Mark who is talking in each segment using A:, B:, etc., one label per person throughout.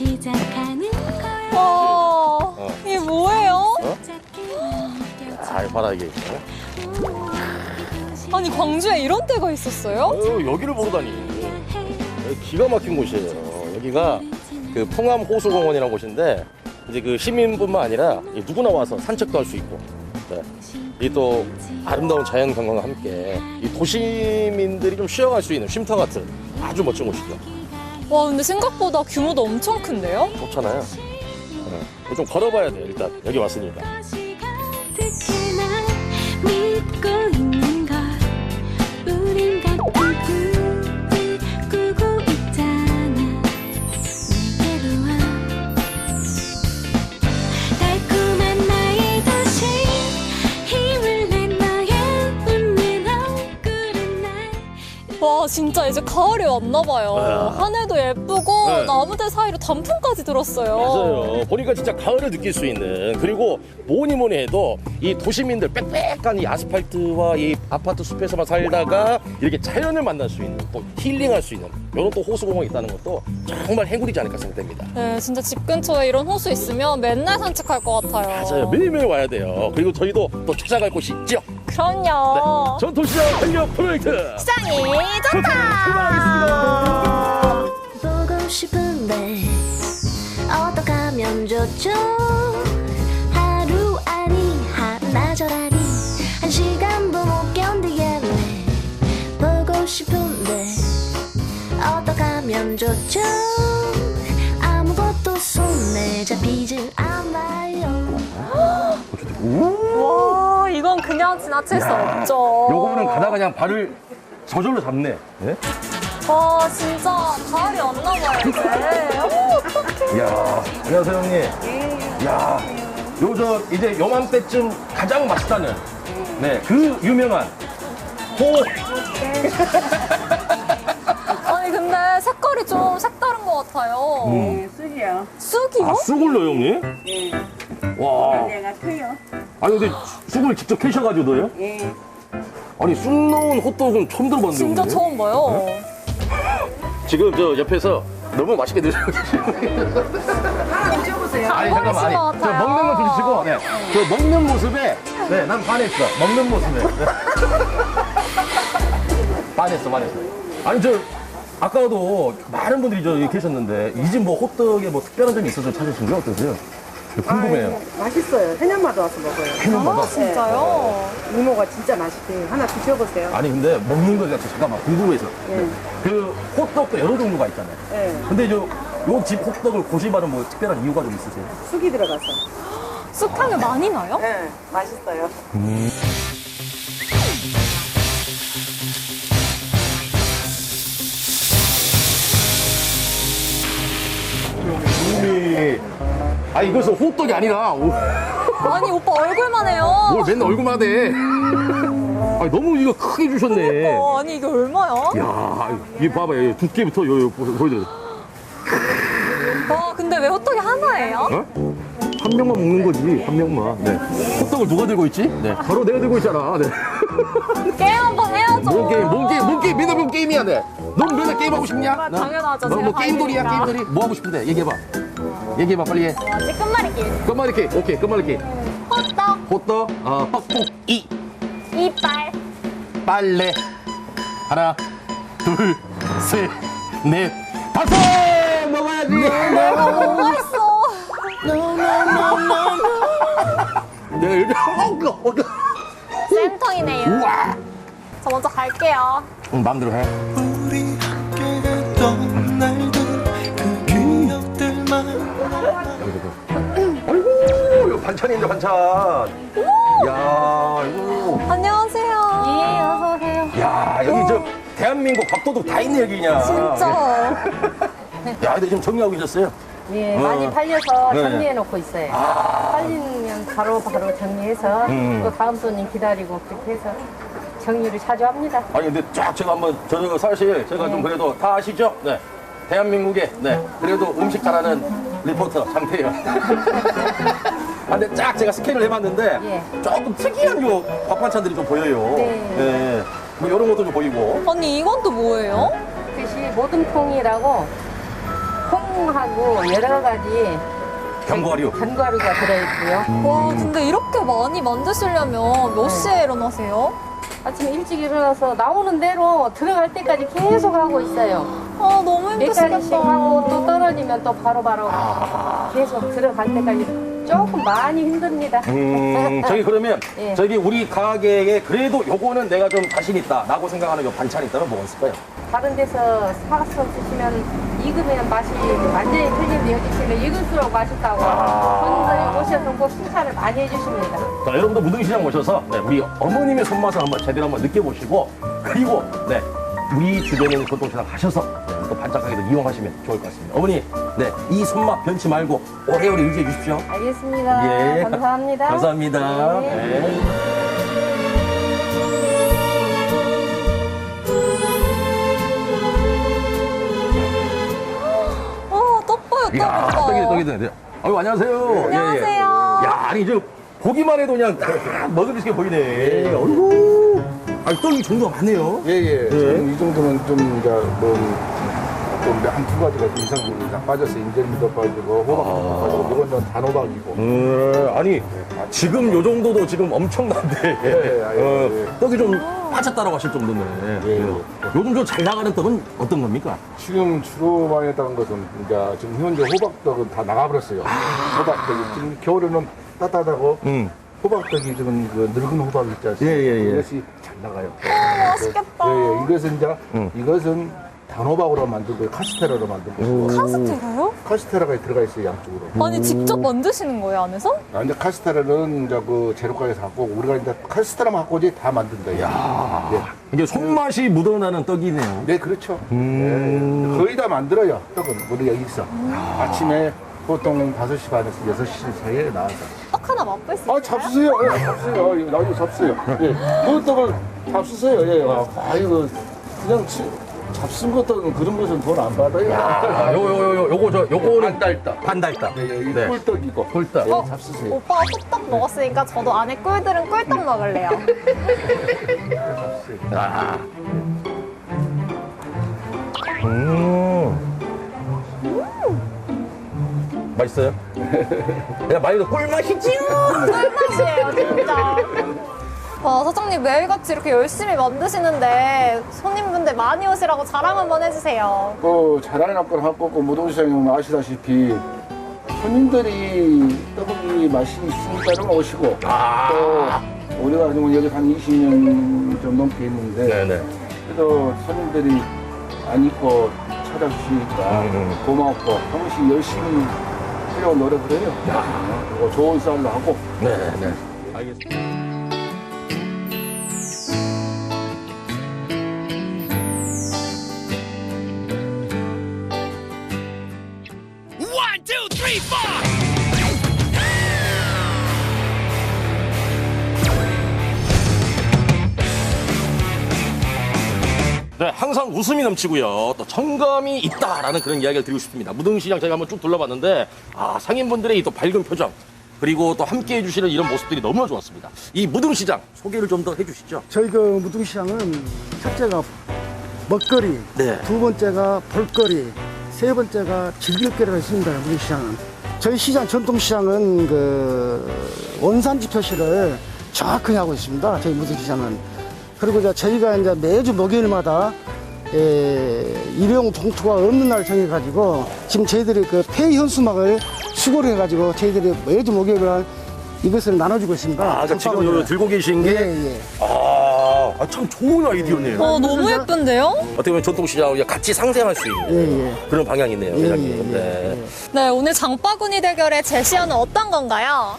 A: 와, 이게 뭐예요?
B: 아, 봐라 이게.
A: 아니, 광주에 이런 데가 있었어요?
B: 여기를 보러다니. 여기 기가 막힌 곳이에요. 여기가 그 풍암 호수공원이라는 곳인데 이제 그 시민뿐만 아니라 누구나 와서 산책도 할 수 있고, 네. 이 또 아름다운 자연 경관과 함께 이 도시민들이 좀 쉬어갈 수 있는 쉼터 같은 아주 멋진 곳이죠.
A: 와, 근데 생각보다 규모도 엄청 큰데요?
B: 좋잖아요. 네. 좀 걸어봐야 돼요. 일단 여기 왔으니까.
A: 와, 진짜 이제 가을이 왔나봐요.
B: 네.
A: 하늘도 예쁘고
B: 네.
A: 나무들 사이로 단풍까지 들었어요.
B: 맞아요. 보니까 진짜 가을을 느낄 수 있는, 그리고 뭐니 해도 이 도시민들 빽빽한 이 아스팔트와 이 아파트 숲에서만 살다가 이렇게 자연을 만날 수 있는, 또 힐링할 수 있는 이런 또 호수공원이 있다는 것도 정말 행운이지 않을까 생각됩니다.
A: 네, 진짜 집 근처에 이런 호수 있으면 맨날 산책할 것 같아요.
B: 맞아요. 매일매일 와야 돼요. 그리고 저희도 또 찾아갈 곳이 있죠.
A: 그럼요.
B: 전도시장 활력 프로젝트
A: 시장이 좋다.
B: 출발하겠습니다.
C: 보고 싶은데 어떻게 하면 좋죠? 하루 아니 하나절 아니 한 시간도 못 견디겠네. 보고 싶은데 어떻게 하면 좋죠? 아무것도 손에 잡히질 않아요.
A: 와, 이건 그냥 지나칠 수 없죠.
B: 요거는 가다가 그냥 발을 저절로 잡네. 네?
A: 와, 진짜 가을이 왔나봐요, 이제. 오, 어떡해.
B: 이야, 안녕하세요 형님. 이야, 요 이제 요맘때쯤 가장 맛있다는 네, 그 유명한 호.
A: 아니, 근데 색깔이 좀 색다른 것 같아요.
D: 네, 쑥이요.
A: 쑥이요?
B: 아, 쑥을요 형님?
D: 예.
B: 와.
D: 내가 커요.
B: 아니 근데 쑥을 직접 캐셔가지고 넣어요?
D: 예.
B: 아니 쑥 넣은 호떡은 처음 들어봤는데
A: 진짜
B: 형님?
A: 처음 봐요.
B: 지금 저 옆에서 너무 맛있게 드시고 계시네요.
D: 하나 드셔보세요.
B: 아니 잠깐만, 아니
A: 것
B: 저
A: 같아요.
B: 먹는 거 드시고, 네, 저 먹는 모습에 네, 난 반했어. 먹는 모습에 네. 반했어. 아니 저 아까도 많은 분들이 저기 계셨는데 이 집 뭐 호떡에 뭐 특별한 점이 있어서 찾으신 게 어떠세요? 궁금해요.
D: 맛있어요. 해년마다 와서 먹어요.
B: 해년마다.
A: 아, 진짜요?
D: 이모가 진짜 맛있대요. 하나 드셔보세요.
B: 아니 근데 먹는 거 잠깐만 궁금해서.
D: 예.
B: 그 호떡도 여러 종류가 있잖아요.
D: 예.
B: 근데 요 집 호떡을 고집하는 뭐 특별한 이유가 좀 있으세요?
D: 쑥이 들어가서.
A: 쑥향이 많이 나요?
D: 예. 맛있어요.
B: 아니 이것은 호떡이 아니라
A: 아니, 오빠 얼굴만 해요.
B: 뭘 맨날 얼굴만 해. 아니 너무 이거 크게 주셨네.
A: 아니, 이게 얼마야?
B: 야, 이게 봐봐요. 두께부터 요 보여드려.
A: 와, 근데 왜 호떡이 하나예요?
B: 어? 한 명만 먹는 거지, 한 명만. 네. 호떡을 누가 들고 있지? 네. 바로 내가 들고 있잖아. 네.
A: 게임 한번 해야죠.
B: 뭔 게임, 맨날 뭔 게임이야, 네. 넌 맨날 게임 하고 싶냐?
A: 당연하죠.
B: 너 뭐
A: 제가
B: 게임돌이야,
A: 가이드니까.
B: 게임돌이? 뭐 하고 싶은데? 얘기해봐. 얘기해봐, 빨리 해.
A: 뭐지? 끝말잇기.
B: 끝말잇기, 오케이, 끝말잇기.
A: 호떡,
B: 호떡, 떡볶이,
A: 이빨.
B: 빨래. 하나, 둘, 셋, 넷, 다섯! 먹어야지!
A: 너무 맛있어.
B: 내가 이렇게,
A: 센터이네요.
B: 우와!
A: 저 먼저 갈게요.
B: 응, 마음대로 해.
E: 우리 함께 갔던 날들 그 기억들만
B: 아이고, 이거 반찬인데, 반찬. 야, 이거.
A: 안녕하세요. 예, 어서 오세요.
B: 야, 여기 저 대한민국 밥도둑 다 있네, 여기 그냥.
A: 진짜.
B: 야, 근데 지금 정리하고 계셨어요?
F: 예, 많이 팔려서
B: 네.
F: 정리해 놓고 있어요. 팔리면 바로 정리해서 또 다음 손님 기다리고 그렇게 해서 정리를 자주 합니다.
B: 아니, 근데 쫙 제가 한번, 저 사실 제가 좀 그래도 다 아시죠? 네. 대한민국에, 네. 그래도 음식 잘하는 리포터 장태현. 근데 쫙 제가 스캔을 해봤는데
F: 예.
B: 조금 특이한 요 밥 반찬들이 좀 보여요.
F: 네.
B: 뭐 이런 것도 좀 보이고.
A: 언니, 이건 또 뭐예요?
F: 그것이 모듬통이라고 콩 콩하고 여러 가지
B: 견과류.
F: 견과류가 들어있고요.
A: 와, 근데 이렇게 많이 만드시려면 몇 시에 일어나세요?
F: 아침에 일찍 일어나서 나오는 대로 들어갈 때까지 계속 하고 있어요.
A: 아, 너무
F: 몇 가지씩
A: 힘드시겠다.
F: 하고 또 떨어지면 또 바로바로 계속 들어갈 때까지 조금 많이 힘듭니다.
B: 저기 그러면
F: 예.
B: 저기 우리 가게에 그래도 요거는 내가 좀 자신 있다라고 생각하는 요 반찬이 있다면 뭐가 있을까요?
F: 다른 데서 사서 드시면 익으면 맛이 완전히 틀린데 여기 있으면 익을수록 맛있다고 손님들이 오셔서 꼭 칭찬을 많이 해주십니다.
B: 자, 여러분도 무등시장 오셔서 네, 우리 어머님의 손맛을 한번 제대로 한번 느껴보시고 그리고 네, 우리 주변에 있는 전통시장 가셔서 네, 또 반찬 가게도 이용하시면 좋을 것 같습니다. 어머니, 네, 이 손맛 변치 말고 오래오래 유지해 주십시오.
F: 알겠습니다.
B: 예.
F: 감사합니다.
B: 감사합니다.
F: 네.
B: 네.
A: 떡보요,
B: 이야,
A: 떡이다.
B: 떡이네. 아유, 안녕하세요.
A: 안녕하세요.
B: 예, 예. 야, 아니, 저, 보기만 해도 그냥 다 먹음직스게 보이네. 어이구. 아니, 떡이 종류가 많네요.
G: 예, 예. 지금 이 정도면 좀, 이제, 한 두 가지가 이상 빠졌어요. 인절미도 빠지고, 호박도 빠지고, 이건 좀 단호박이고.
B: 아니, 지금 요 정도도 지금 엄청난데. 떡이 좀 빠졌다라고 하실 정도네.
G: 예.
B: 요즘 저 잘 나가는 떡은 어떤 겁니까?
G: 지금 주로 많이 했다는 것은, 이제, 지금 현재 호박떡은 다 나가버렸어요. 호박떡이. 지금 겨울에는 따뜻하고, 호박떡이 지금 그 늙은 호박 있지 않습니까?
B: 예, 예, 예.
G: 이것이 잘 나가요.
A: 맛있겠다.
G: 예, 예. 이것은 이제, 이것은 단호박으로 만들고, 카스테라로 만들고.
A: 카스테라요?
G: 카스테라가 들어가 있어요, 양쪽으로.
A: 아니, 직접 만드시는 거예요, 안에서?
G: 아, 이제 카스테라는 이제 그 재료가에서 갖고 오고 우리가 이제 카스테라만 갖고 이제 다 만든다. 야,
B: 이게 손맛이 묻어나는 떡이네요.
G: 네, 그렇죠. 네, 거의 다 만들어요. 떡은 우리가 여기서 아침에 보통 5시 반에서 6시 사이에 나와서.
A: 떡 하나 맛볼 수 있어요?
G: 아, 잡수세요. 예, 잡수세요. 나중에 잡수세요. 예, 그 떡을 잡수세요. 예, 아이고 그냥 잡순 것도 그런 것은 돈 안 받아요.
B: 요거는
G: 반달떡.
B: 반달떡.
G: 네, 이
B: 네.
G: 꿀떡이고.
B: 꿀떡.
G: 예, 잡수세요.
A: 오빠가 꿀떡 먹었으니까 저도 안에 꿀들은 꿀떡 먹을래요.
B: 아. 맛있어요? 야, 많이도 꿀맛이지요?
A: 꿀맛이에요, 진짜. 와, 사장님 매일같이 이렇게 열심히 만드시는데 손님분들 많이 오시라고 자랑 한번 해주세요.
G: 그 자랑할 걸 갖고 그 무동시장에 아시다시피 손님들이 떡볶이 맛이 있으니까 오시고 또 우리가 지금 여기 한 20년 좀 넘게 있는데
B: 네네.
G: 그래도 손님들이 안 입고 찾아주시니까 고맙고 한 번씩 열심히 하려고 노력을 해요. 그리고 좋은 쌀로 하고.
B: 네네. 알겠습니다. 네, 항상 웃음이 넘치고요. 또 정감이 있다라는 그런 이야기를 드리고 싶습니다. 무등시장 저희가 한번 쭉 둘러봤는데, 상인분들의 이 또 밝은 표정, 그리고 또 함께 해주시는 이런 모습들이 너무나 좋았습니다. 이 무등시장 소개를 좀 더 해주시죠.
H: 저희 그 무등시장은 첫째가 먹거리,
B: 네.
H: 두 번째가 볼거리, 세 번째가 즐길거리가 있습니다. 무등시장은. 저희 시장, 전통시장은 그 원산지 표시를 정확하게 하고 있습니다. 저희 무등시장은. 그리고 저희가 이제 매주 목요일마다 일회용 봉투가 없는 날 정해가지고 지금 저희들이 그 폐 현수막을 수거를 해가지고 저희들이 매주 목요일날 이것을 나눠주고 있습니다.
B: 그러니까 지금 요 들고 계신 게,
H: 예.
B: 참 좋은 아이디어네요.
A: 너무 예쁜데요?
B: 어떻게 보면 전통시장하고 같이 상생할 수 있는 그런 방향이네요, 회장님. 네.
A: 네, 오늘 장바구니 대결의 제시어는 어떤 건가요?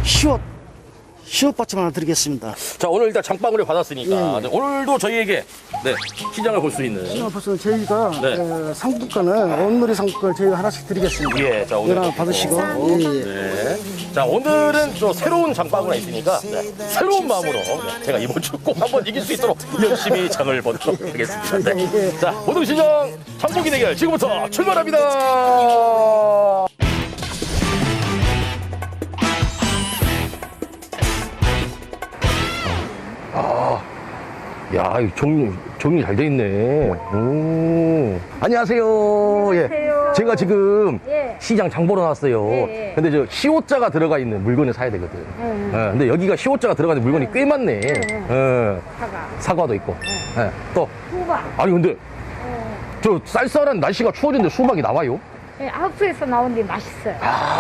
H: 시옷 받침 하나 드리겠습니다.
B: 자, 오늘 일단 장바구니를 받았으니까,
H: 예.
B: 네, 오늘도 저희에게, 네, 시장을 볼 수 있는.
H: 시장 벌써 저희가
B: 네.
H: 상품권은 온누리 상품권을 저희가 하나씩 드리겠습니다.
B: 예, 자, 오늘.
H: 이거 하나 받으시고.
B: 네. 자, 오늘은 또 새로운 장바구니가 있으니까, 새로운 마음으로 제가 이번 주 꼭 한번 이길 수 있도록 열심히 장을 보도록 하겠습니다. 네. 자, 무등시장 장보기 대결 지금부터 출발합니다. 야, 이 정리 잘 돼 있네. 안녕하세요. 예. 제가 지금
F: 예.
B: 시장 장 보러 나왔어요.
F: 예, 예.
B: 근데 저 시옷자가 들어가 있는 물건을 사야 되거든. 근데 여기가 시옷자가 들어가 있는 물건이 꽤 많네. 사과도 있고. 또.
F: 수박.
B: 아니, 근데 저 쌀쌀한 날씨가 추워졌는데 수박이 나와요?
F: 예, 학수에서 나온 게 맛있어요.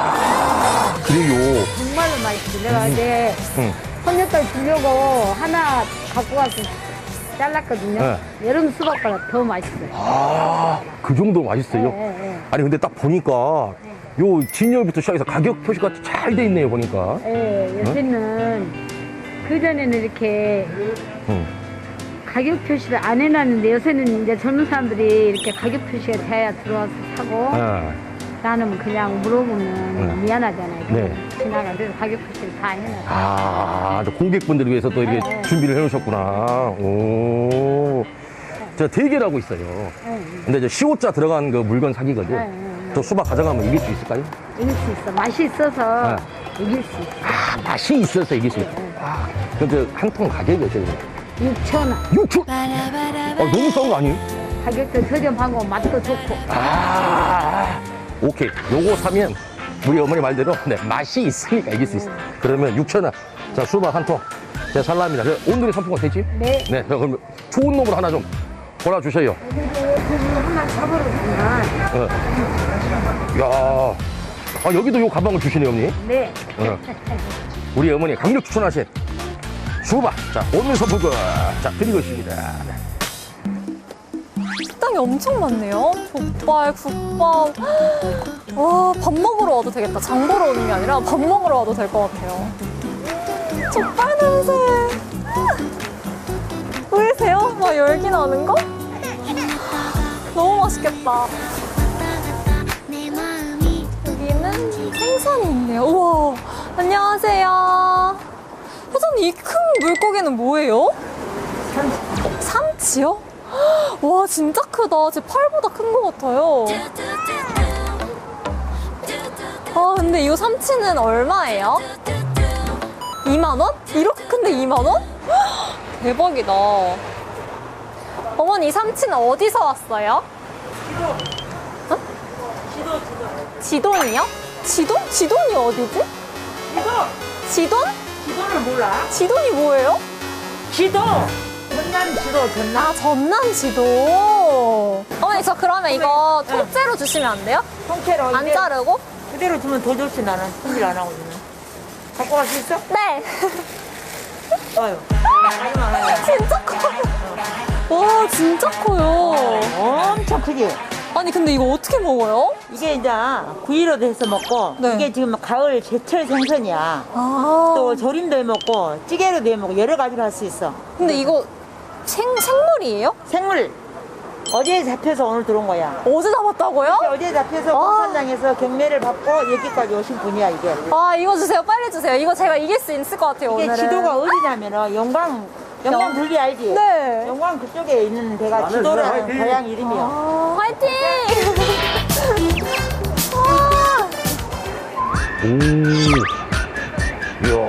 B: 그래요.
F: 정말로 맛있어요. 내가 이제 손녀딸 주려고 하나 갖고 가서 잘랐거든요.
B: 네.
F: 여름 수박보다 더 맛있어요.
B: 그 정도로 맛있어요? 아니, 근데 딱 보니까 요 진열부터 시작해서 가격 표시가 잘 돼 있네요, 보니까.
F: 예, 요새는 그전에는 이렇게 가격 표시를 안 해놨는데 요새는 이제 젊은 사람들이 이렇게 가격 표시가 돼야 들어와서 사고 나는 그냥 물어보면 미안하잖아요.
B: 네.
F: 지나가 그래서 가격 표시를 다 해놨어요.
B: 저 고객분들을 위해서 또 이렇게 준비를 해놓으셨구나. 오. 제가 대결하고 있어요. 근데 이제 시옷자 들어간 그 물건 사기거든. 또 수박 가져가면 이길 수 있을까요?
F: 이길 수 있어. 맛이 있어서 이길 수 있어.
B: 맛이 있어서 이길 수 있다. 그럼 저 한 통 가격이 어떻게 돼요?
F: 6,000원.
B: 6천? 너무 싼 거 아니에요?
F: 가격도 저렴하고 맛도 좋고.
B: 오케이. 요거 사면 우리 어머니 말대로 맛이 있으니까 이길 수 있어. 그러면 6,000원. 자, 수박 한 통. 제가 살랍니다. 오늘의 상품은 되지?
F: 네.
B: 네. 그럼 좋은 놈으로 하나 좀 골라주세요.
F: 하나 사버렸구나.
B: 야, 여기도 요 가방을 주시네요, 어머니.
F: 네.
B: 우리 어머니 강력 추천하신 수박. 자, 오늘 선물권. 자, 드리고 있습니다.
A: 식당이 엄청 많네요. 족발, 국밥. 와, 밥 먹으러 와도 되겠다. 장 보러 오는 게 아니라 밥 먹으러 와도 될 것 같아요. 족발 냄새. 보이세요? 막 열기 나는 거? 너무 맛있겠다. 여기는 생선이 있네요. 우와, 안녕하세요. 회장님, 이 큰 물고기는 뭐예요? 삼치요? 와, 진짜 크다. 제 팔보다 큰 것 같아요. 근데 이 삼치는 얼마예요? 2만 원? 이렇게 큰데 2만 원? 대박이다. 어머니, 이 삼치는 어디서 왔어요? 지돈이요? 지돈? 지돈이 어디지? 지돈?
D: 지도를 몰라?
A: 지돈이 뭐예요?
D: 지도! 전남 지도, 전남.
A: 전남 지도. 어머니, 저 그러면 이거 통째로 주시면 안 돼요?
D: 통째로
A: 안 자르고?
D: 그대로 주면 더 좋지, 나는. 손질 안 하거든요. 갖고 갈 수 있어?
A: 네.
D: 아유.
A: 진짜 커요. 와, 진짜 커요.
D: 엄청 크지?
A: 아니, 근데 이거 어떻게 먹어요?
D: 이게 이제 구이로도 해서 먹고,
A: 네.
D: 이게 지금 가을 제철 생선이야. 또 조림도 해 먹고, 찌개로도 해 먹고, 여러 가지로 할 수 있어.
A: 근데 이거 생물이에요?
D: 생물. 어제 잡혀서 오늘 들어온 거야.
A: 어제 잡았다고요?
D: 어제 잡혀서 공산당에서 경매를 받고 여기까지 오신 분이야, 이게.
A: 이거 주세요. 빨리 주세요. 이거 제가 이길 수 있을 것 같아요,
D: 이게
A: 오늘은.
D: 지도가 어디냐면은 영광 분리 알지?
A: 네.
D: 영광 그쪽에 있는 데가 지도라는 고향 이름이야.
A: 화이팅!
B: 오. 이야.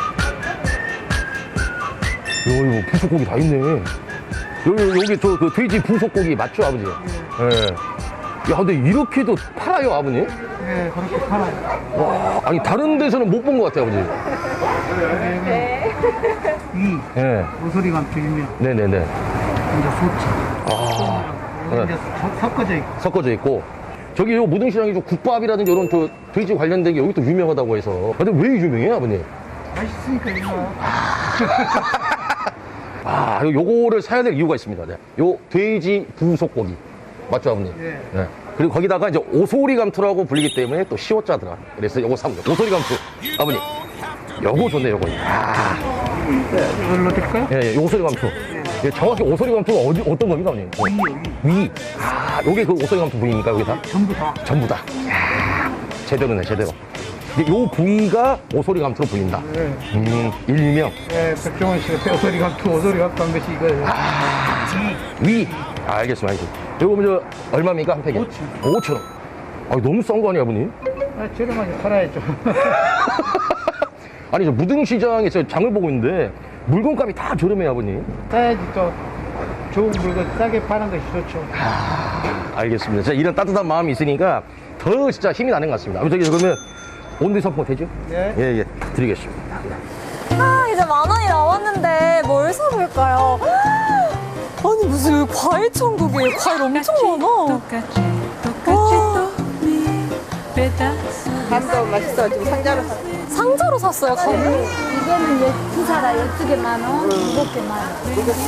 B: 이거 부속고기 다 있네. 여기 저 그 돼지 부속고기 맞죠, 아버지? 예. 야, 근데 이렇게도 팔아요, 아버님?
H: 네, 그렇게 팔아요.
B: 와, 아니 다른 데서는 못 본 것 같아요, 아버지.
H: 이
B: 예.
H: 모서리감 비빔면,
B: 네네네.
H: 이제 소치.
B: 네.
H: 이제 섞어져 있고.
B: 섞어져 있고. 저기 요 무등시장이 좀 국밥이라든지 이런 저 돼지 관련된 게 여기 또 유명하다고 해서. 근데 왜 유명해요, 아버님?
H: 맛있으니까 이거.
B: 요거를 사야 될 이유가 있습니다. 네. 요 돼지 부속고기. 맞죠, 아버님?
H: 예.
B: 네. 그리고 거기다가 이제 오소리감투라고 불리기 때문에 또 시옷자 들어가. 그래서 요거 사면 돼요. 오소리감투. 아버님. 요거 좋네, 요거.
H: 이걸로 드릴까요?
B: 예, 예, 오소리감투. 예, 정확히 오소리감투가 어떤 겁니까, 아버님? 위. 요게 그 오소리감투 부위입니까, 여기 다?
H: 전부 다.
B: 전부 다. 이야, 제대로네, 제대로. 근데 요 부위가 오소리감투로 불린다.
H: 네.
B: 일명.
H: 네, 백종원 씨가 오소리감 투, 오소리감 한 것이 이거예요.
B: 위. 알겠습니다, 알겠습니다. 요거 먼저 얼마입니까, 한 팩에? 5,000원. 너무 싼 거 아니에요, 아버님?
H: 저렴하게 팔아야죠.
B: 아니, 저 무등시장에서 장을 보고 있는데 물건값이 다 저렴해요, 아버님.
H: 사야지 또 좋은 물건 싸게 파는 것이 좋죠.
B: 알겠습니다. 진짜 이런 따뜻한 마음이 있으니까 더 진짜 힘이 나는 것 같습니다. 저기 그러면 온대 선포 되죠?
G: 네.
B: 예, 예. 드리겠습니다.
A: 아, 이제 10,000원이 남았는데 뭘 사볼까요? 아니, 무슨 여기 과일 천국이에요. 과일 엄청 많아.
D: 감도 맛있어. 지금 상자로 샀어.
A: 상자로 샀어요, 감을?
F: 이거는 2사라 12개 만 원, 7개 만 원.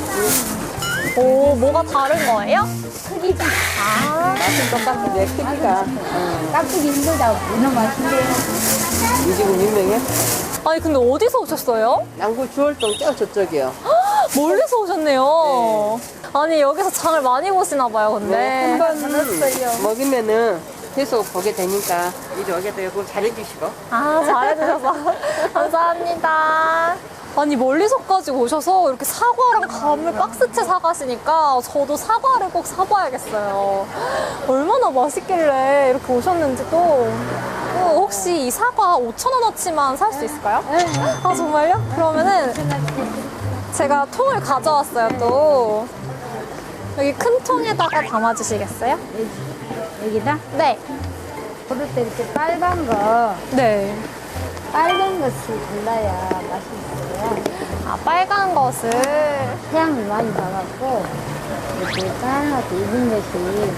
A: 오, 뭐가 다른 거예요?
F: 크기가.
D: 맛은 똑같은데 크기가.
F: 깍두기 힘들다고 문어 맛있대요.
D: 이 집은 유명해?
A: 아니, 근데 어디서 오셨어요?
D: 양구 주월동 저쪽이요.
A: 멀리서 오셨네요. 아니, 여기서 장을 많이 보시나 봐요, 근데.
D: 한번 먹으면은 계속 보게 되니까 이리 오게 되고 잘해주시고.
A: 아, 잘해주셔서 감사합니다. 아니, 멀리서까지 오셔서 이렇게 사과랑 감을 박스채 사가시니까 저도 사과를 꼭 사봐야겠어요. 얼마나 맛있길래 이렇게 오셨는지 또. 혹시 이 사과 5,000원어치만 살 수 있을까요? 아, 정말요? 그러면은 제가 통을 가져왔어요, 또. 여기 큰 통에다가 담아주시겠어요?
F: 여기다?
A: 네.
F: 그럴 때 이렇게 빨간 거,
A: 네.
F: 빨간 것을 골라야 맛있어요.
A: 아, 빨간 것을.
F: 태양을 많이 받았고, 이렇게 빨갛게 익은 것이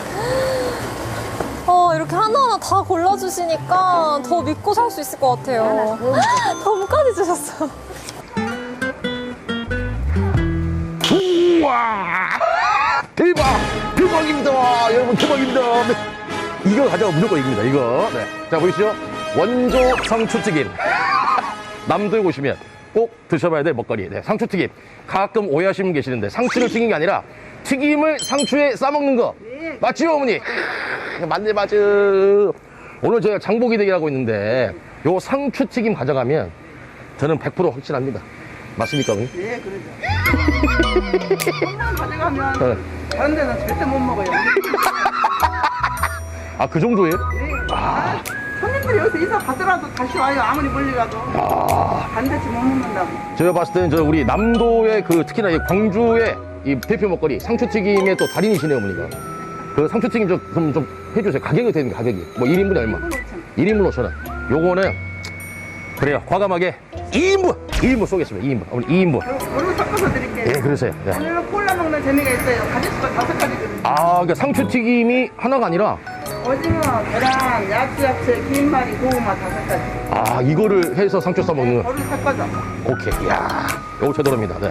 A: 이렇게 하나하나 다 골라주시니까 더 믿고 살 수 있을 것 같아요. 덤까지 주셨어.
B: 우와! 대박! 대박입니다! 여러분, 대박입니다! 네. 이거 가져가 무조건 이깁니다, 이거. 네. 자, 보이시죠? 원조 상추튀김. 남도에 오시면 꼭 드셔봐야 될 먹거리. 네, 상추튀김. 가끔 오해하시는 분 계시는데, 상추를 튀긴 게 아니라 튀김을 상추에 싸먹는 거. 맞지요, 어머니? 맞네, 맞아. 오늘 저희가 장보기 대결 하고 있는데, 요 상추튀김 가져가면 저는 100% 확신합니다. 맞습니까, 어머니?
I: 예, 그러죠. 한번 가져가면
B: 네.
I: 다른 데는 절대 못 먹어요.
B: 아, 그 정도예요?
I: 예. 손님들이 여기서 인사 받더라도 다시 와요. 아무리 멀리 가도. 반드시 못 먹는다고.
B: 제가 봤을 때는 저 우리 남도의 그 특히나 이 광주의 이 대표 먹거리 상추튀김의 또 달인이시네요, 어머니가. 그 상추튀김 좀 해주세요. 가격이 어떻게 됩니까, 가격이? 뭐 1인분에 얼마? 1인분 5,000원. 요거는 그래요. 과감하게 2인분 쏘겠습니다. 2인분. 어머니 2인분.
I: 그리고 섞어서 드릴게요.
B: 예, 그러세요. 네.
I: 오늘은 콜라 먹는 재미가 있어요. 가짓수가 5가지거든요.
B: 아, 그러니까 상추튀김이 하나가 아니라
I: 오징어, 계란, 야채, 김말이, 고구마 5가지.
B: 아, 이거를 해서 상추 싸먹는.
I: 거를 섞어서.
B: 오케이. 이야, 요거 제대로입니다. 네.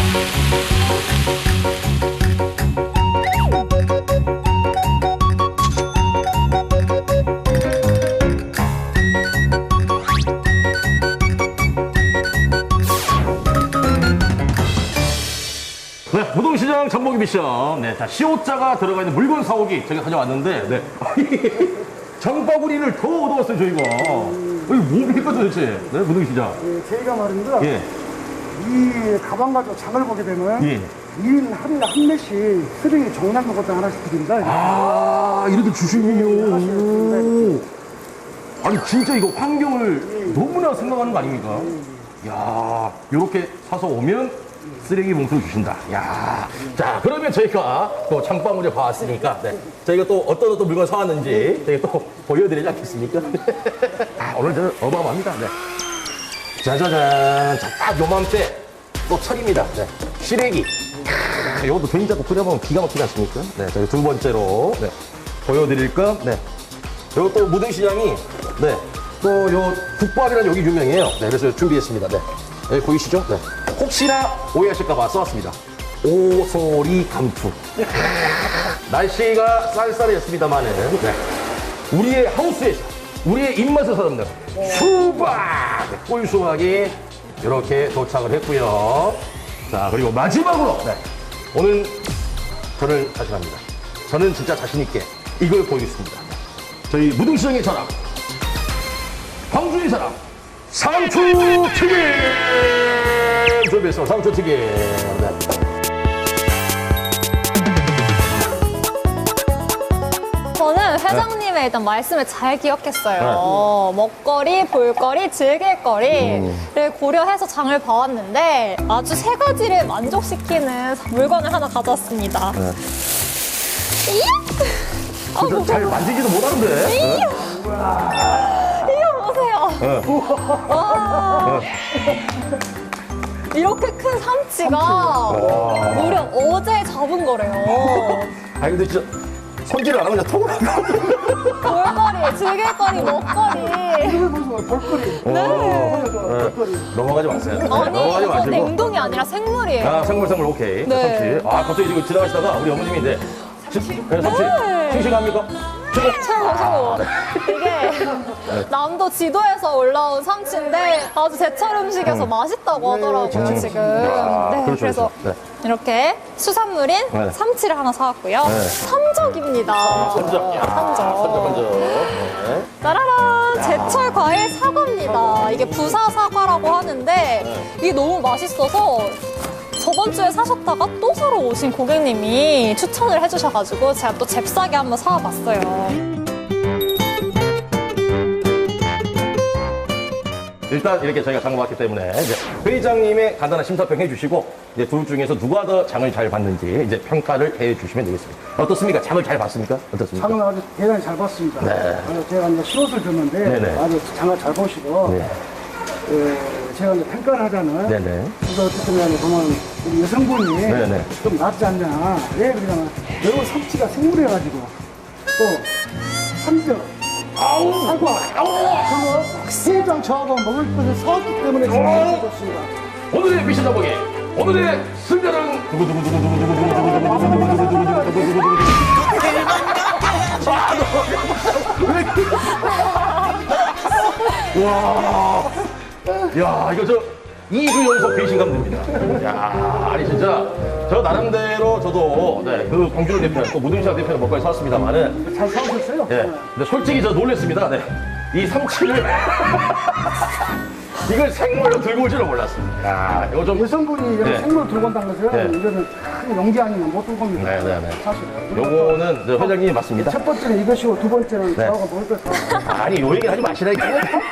B: 네, 무동시장 장보기 미션. 네, 자, 시옷자가 들어가 있는 물건 사오기 제가 가져왔는데, 네. 장바구니를 더 얻어왔어요, 저희가. 이거 뭡니까 도대체? 네, 무동시장.
H: 예, 저희가 말입니다.
B: 예,
H: 이 가방 가지고 장을 보게 되면
B: 예.
H: 2인 하루에 한 매씩 쓰레기 종량도 것도 하나씩 드립니다.
B: 아, 이렇게 주시군요. 아니, 진짜 이거 환경을 너무나 생각하는 거 아닙니까? 야, 요렇게 사서 오면 쓰레기 봉투를 주신다. 야, 자, 그러면 저희가 또 장바구니에 봐왔으니까, 네. 저희가 또 어떤 물건 사왔는지 저희가 또 보여드리지 않겠습니까? 아, 오늘 저는 어마어마합니다. 네. 짜자잔. 자, 딱 요맘때 또 철입니다. 네. 시래기. 이것도 된장국 끓여보면 기가 막히지 않습니까? 네, 저희 두 번째로 네, 보여드릴 건, 네. 요것도 무등시장이, 네. 또 요 국밥이라는 여기 유명해요. 네, 그래서 준비했습니다. 네. 여기 보이시죠? 네. 혹시나 오해하실까봐 써왔습니다. 오소리 감투. 날씨가 쌀쌀했습니다만은, 네. 우리의 하우스에서, 우리의 입맛을 사람들, 수박! 네, 꿀수박이 이렇게 도착을 했고요. 자, 그리고 마지막으로, 네. 오늘 저는 자신합니다. 저는 진짜 자신있게 이걸 보이겠습니다. 저희 무등시장의 사람, 광주의 사람, 상추튀김! 준비했습니다. 상추튀김. 네.
A: 저는 회장님의 일단 말씀을 잘 기억했어요. 먹거리, 볼거리, 즐길거리를 고려해서 장을 봐왔는데 아주 세 가지를 만족시키는 물건을 하나 가져왔습니다.
B: 진짜 잘 만지지도 못하는데.
A: 이거 보세요. 와. 이렇게 큰 삼치가 무려 어제 잡은 거래요.
B: 아니 근데 진짜 손질을 안 하고 그냥 톡을 하고.
A: 볼거리, 즐길거리, 먹거리.
H: 볼거리.
A: 네.
B: 넘어가지 마세요.
A: 아니,
B: 넘어가지
A: 이거
B: 마시고.
A: 냉동이 아니라 생물이에요.
B: 아, 생물 오케이.
A: 네.
B: 삼치. 아, 갑자기 지금 지나가시다가 우리 어머님이 이제 삼치.
A: 네.
B: 싱싱합니까?
A: 최고. 이게 남도 지도에서 올라온 삼치인데 아주 제철 음식에서 맛있다고 하더라고요, 지금. 네,
B: 그렇죠,
A: 그래서
B: 그렇죠.
A: 이렇게 수산물인
B: 네.
A: 삼치를 하나 사왔고요.
B: 네.
A: 삼적입니다.
B: 삼적. 야,
A: 삼적.
B: 네.
A: 짜라란! 제철 과일 사과입니다. 이게 부사 사과라고 하는데 이게 너무 맛있어서 저번 주에 사셨다가 또 사러 오신 고객님이 추천을 해주셔가지고 제가 또 잽싸게 한번 사와봤어요.
B: 일단 이렇게 저희가 장봐왔기 때문에 이제 회장님의 간단한 심사평 해주시고 이제 둘 중에서 누가 더 장을 잘 봤는지 이제 평가를 해주시면 되겠습니다. 어떻습니까? 장을 잘 봤습니까? 어떻습니까?
H: 장은 아주 대단히 잘 봤습니다.
B: 네.
H: 제가 이제 시옷을 줬는데
B: 네네.
H: 아주 장을 잘 보시고
B: 네.
H: 제가 이제 평가를 하자면
B: 네네.
H: 그래서 어쨌든 간에 보면 우리 여성분이
B: 네네.
H: 좀 낫지 않냐. 왜 그러냐면 매우 삼치가 생물해가지고 또 삼적 사과 그거 회장 저하고 먹을 것을 사왔기 때문에 정말 좋습니다.
B: 오늘의 미션 장보기 오늘의 승자는 와, 야 이거 저 2주 연속 배신감 듭니다. 야, 아니 진짜 저 나름대로 저도 네, 그 광주를 대표는 또 무등시장 대표는 먹고 사왔습니다만은
H: 잘 사오셨어요?
B: 예, 근데 솔직히 저 놀랬습니다. 네, 이 삼치를 이걸 생물로 들고 올 줄은 몰랐습니다. 야, 이거 좀
H: 여성분이 이런
B: 네.
H: 생물 들고 온다는 것은
B: 네.
H: 이거는 큰 용기 아니면 못 들고 옵니다.
B: 네네네.
H: 사실은.
B: 요거는 저 회장님이 맞습니다.
H: 첫 번째는 이것이고 두 번째는
B: 네.
H: 저하고 먹을 것 사와.
B: 아니 요 얘기를 하지 마시라니까.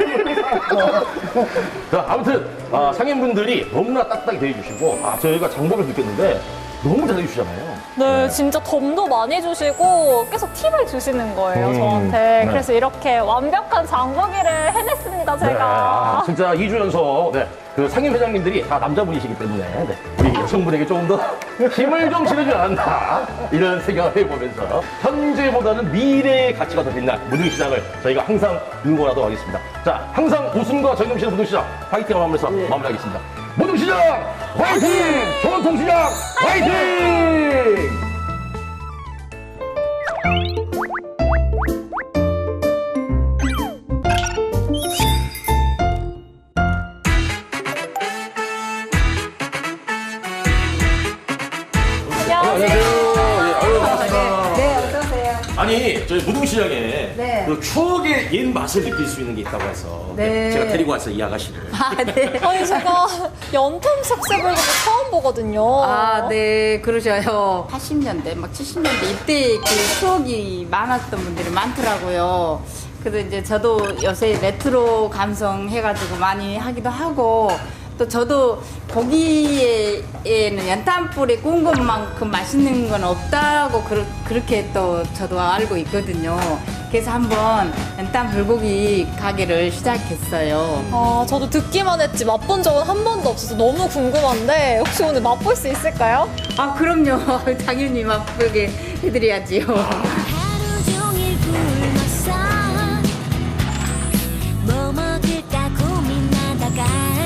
B: 자, 아무튼 상인분들이 너무나 따뜻하게 대해주시고 저희가 장보를 느꼈는데 너무 잘해주시잖아요.
A: 네, 진짜 덤도 많이 주시고 계속 팁을 주시는 거예요, 저한테.
B: 네.
A: 그래서 이렇게 완벽한 장보기를 해냈습니다, 제가.
B: 네, 진짜 2주 연속 그 상인 회장님들이 다 남자분이시기 때문에 우리 여성분에게 조금 더 힘을 좀 실어주지 않았나 이런 생각을 해보면서 현재보다는 미래의 가치가 더 빛날 무등시장을 저희가 항상 응원하도록 하겠습니다. 자, 항상 웃음과 정념실의 무등시장 파이팅을 하면서 마무리하겠습니다. 무등시장 화이팅! 전통시장 화이팅!
A: 안녕하세요.
B: 네, 아니, 저희 무등시장에
J: 네.
B: 그 추억의 옛 맛을 느낄 수 있는 게 있다고 해서
J: 네.
B: 제가 데리고 왔어요, 이 아가씨를.
J: 아, 네.
A: 아니, 제가 연통 색색을 처음 보거든요.
J: 아, 네, 그러셔요. 80년대, 막 70년대 이때 그 추억이 많았던 분들이 많더라고요. 그래서 이제 저도 요새 레트로 감성 해가지고 많이 하기도 하고, 또 저도 고기에는 연탄불에 구운 것만큼 맛있는 건 없다고 그렇게 또 저도 알고 있거든요. 그래서 한번 연탄 불고기 가게를 시작했어요.
A: 아, 저도 듣기만 했지 맛본 적은 한 번도 없어서 너무 궁금한데 혹시 오늘 맛볼 수 있을까요?
J: 아, 그럼요. 당연히 맛보게 해드려야지요.
C: 하루 종일 굶었어 뭐 먹을까 고민하다가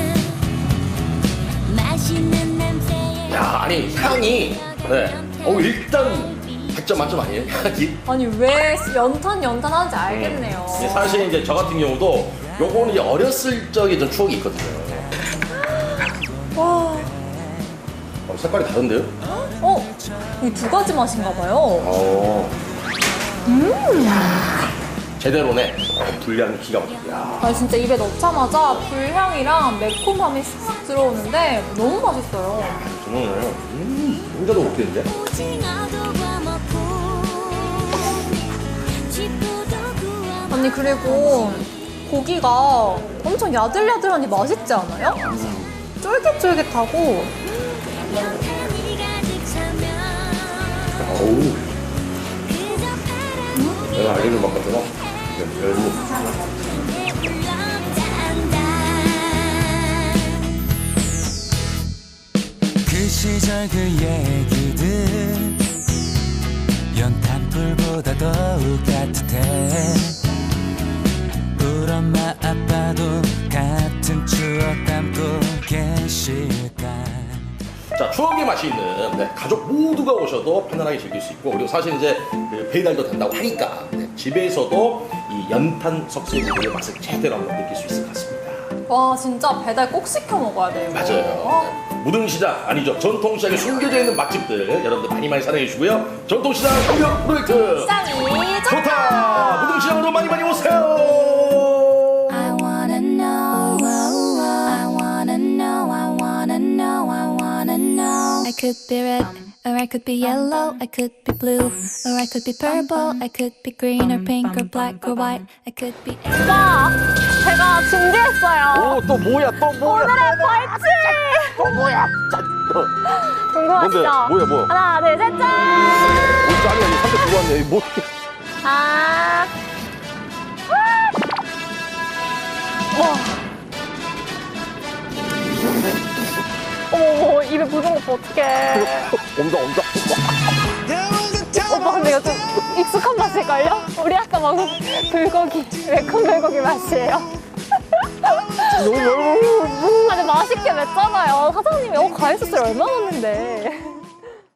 C: 맛있는 냄새에
B: 야, 아니 향이 일단 100점 만점 아니에요? 향이?
A: 아니 왜 연탄 하는지 알겠네요.
B: 사실 이제 저 같은 경우도 요거는 이제 어렸을 적에 좀 추억이 있거든요.
A: 와,
B: 색깔이 다른데요?
A: 이 두 가지 맛인가 봐요.
B: 제대로네. 분량 기가 막히다. 야.
A: 아, 진짜 입에 넣자마자 불향이랑 매콤함이 싹 들어오는데 너무 맛있어요.
B: 저는 혼자도 먹겠는데?
C: 오징어도 구워먹고 지포도 구워먹고
A: 아니 그리고 고기가 엄청 야들야들하니 맛있지 않아요? 쫄깃쫄깃하고
C: 연탄이 가득 차면
B: 어우. 내가 알려줄 것 같은 거. 열무.
E: 그 시절 그 얘기들 연탄불보다 더욱 따뜻해 우리 엄마 아빠도 같은 추억 담고 계실까.
B: 자, 추억의 맛이 있는 네, 가족 모두가 오셔도 편안하게 즐길 수 있고, 그리고 사실 이제 그 배달도 된다고 하니까 네, 집에서도 이 연탄 석쇠구이의 맛을 제대로 한번 느낄 수 있을 것 같습니다.
A: 와, 진짜 배달 꼭 시켜 먹어야 돼요.
B: 맞아요. 네. 무등시장 아니죠, 전통시장에 숨겨져 있는 맛집들 여러분들 많이 많이 사랑해 주시고요. 전통시장 공격 프로젝트
A: 시장이
B: 좋다. 무등시장으로 많이 많이 오세요.
C: I wanna know, I wanna know, I wanna know, I wanna know. I could be red, or I could be yellow, I could be blue, or I could be purple, I could be green or pink or black or white, I could be.
A: 오빠, 제가 준비했어요.
B: 오, 또 뭐야, 또 뭐야.
A: 오늘의 벌칙!
B: 또 뭐야.
A: 궁금하시죠?
B: 뭔데? 뭐야.
A: 하나, 둘, 셋, 짠!
B: 뭐 짠이야, 이 3대 두고 왔네. 뭐.
A: 아. 와. 어머, 입에 묻은 거 봐, 어떡해.
B: 엄청.
A: 오빠, 근데 이거 좀 익숙한 맛일걸요? 우리 아까 먹은 불고기, 매콤 불고기 맛이에요. 근데 맛있게 맵잖아요. 사장님이 과일 소스를 얼마 넣었는데.